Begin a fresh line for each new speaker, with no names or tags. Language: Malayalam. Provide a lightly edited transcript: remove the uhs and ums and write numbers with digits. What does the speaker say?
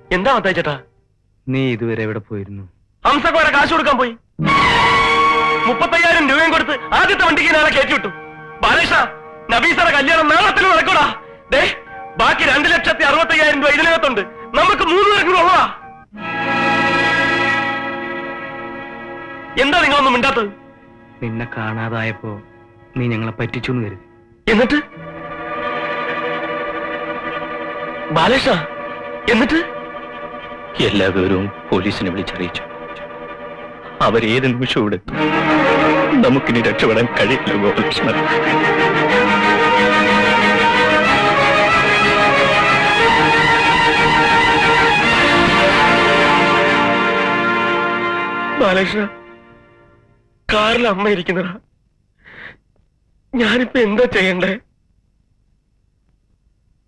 എന്താ മത്തായി ചേട്ടാ?
നീ ഇതുവരെ എവിടെ പോയിരുന്നു?
ഹംസക്ക് വരെ കാശ് കൊടുക്കാൻ പോയി. 35,000 രൂപയും കൊടുത്ത് ആദ്യത്തെ വണ്ടിക്ക് നാളെ കയറ്റി വിട്ടു. ബാലേഷ, നബീസയുടെ കല്യാണം നാളത്തിൽ നടക്കൂടാ. ദേ, ബാക്കി 2,65,000 രൂപ ഇതിനകത്തുണ്ട്. നമുക്ക് 3 പേർക്കും ഉള്ളതാ. എന്താ നിങ്ങളൊന്നും മിണ്ടാത്തത്?
നിന്നെ കാണാതായപ്പോ നീ ഞങ്ങളെ പറ്റിച്ചു എന്ന് കരുതി.
എന്നിട്ട് ബാലേഷ, എന്നിട്ട്
എല്ലാ വിവരവും പോലീസിനെ വിളിച്ചറിയിച്ചു. അവരേത് നിമിഷവും ഇവിടെ എത്തും. നമുക്കിനി രക്ഷപ്പെടാൻ കഴിയില്ല ഗോപാലകൃഷ്ണൻ.
ബാലകൃഷ്ണ, കാറിൽ അമ്മ ഇരിക്കുന്നതാ. ഞാനിപ്പോ എന്താ ചെയ്യണ്ടേ?